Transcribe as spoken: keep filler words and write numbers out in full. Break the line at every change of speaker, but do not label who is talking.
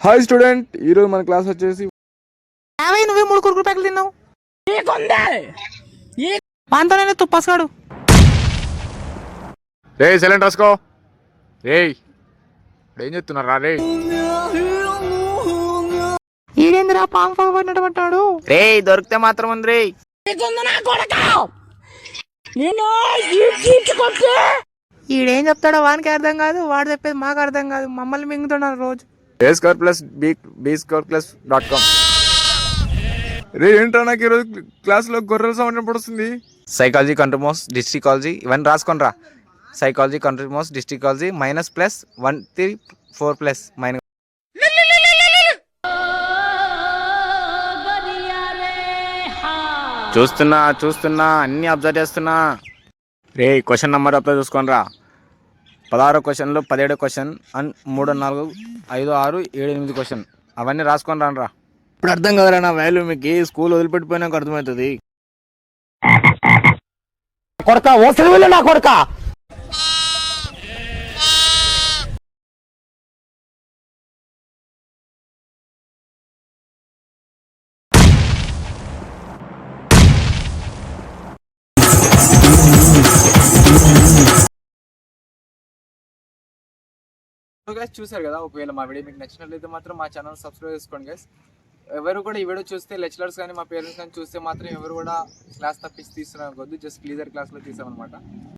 Hi student, ఈరోజు మన class వచ్చేసి
యాభై నువ్వే మూడు కురుకురు ప్యాకెట్లు తిన్నావు. వాంతోనే తుప్పసాడు.
రే సైలెంట్ రాసుకో. రే ఏం చెప్తున్నారా రే?
ఈడేందిరా పాము పగబడినట్టు పట్టాడు.
రే దొరికితే మాత్రం ఉంది రే.
ఈడేం చెప్తాడో వానికి అర్థం కాదు, వాడు చెప్పేది మాకు అర్థం కాదు. మమ్మల్ని మింగుతున్నాడు రోజు.
A square plus b b square plus dot com. రే ఏంట్రా, నాకు ఈరోజు క్లాస్లో గొర్రెల సౌండ్ పడుతుంది.
సైకాలజీ కంట్రోమోస్ డిస్ట్రికాలజీ ఇవన్నీ రాసుకోనరా. సైకాలజీ కంట్రోమోస్ డిస్ట్రికాలజీ minus plus one three four plus minus. చూస్తున్నా చూస్తున్నా అన్ని అబ్జర్వ్ చేస్తున్నా. రే క్వశ్చన్ నెంబర్ అప్లై చూసుకోనరా. పదహారో క్వశ్చన్లో పదిహేడో క్వశ్చన్ అండ్ మూడు నాలుగు ఐదు ఆరు ఏడు ఎనిమిది క్వశ్చన్ అవన్నీ రాసుకొని రానరా. ఇప్పుడు అర్థం కదరా నా వాల్యూ మీకు. స్కూల్ వదిలిపెట్టిపోయినాక అర్థమవుతుంది. కొడక ఓసలి నా కొడక.
గైస్ చూసారు కదా, ఒకవేళ మా వీడియో మీకు నచ్చినట్లయితే మాత్రం మా ఛానల్ సబ్స్క్రైబ్ చేసుకోండి గైస్. ఎవరు కూడా ఈ వీడియో చూస్తే లెక్చరర్స్ కానీ మా పేరెంట్స్ కానీ చూస్తే మాత్రం ఎవరు కూడా క్లాస్ తప్పించి తీస్తున్నారు అనుకోవద్దు. జస్ట్ క్లీజర్ క్లాస్లో తీసామన్నమాట.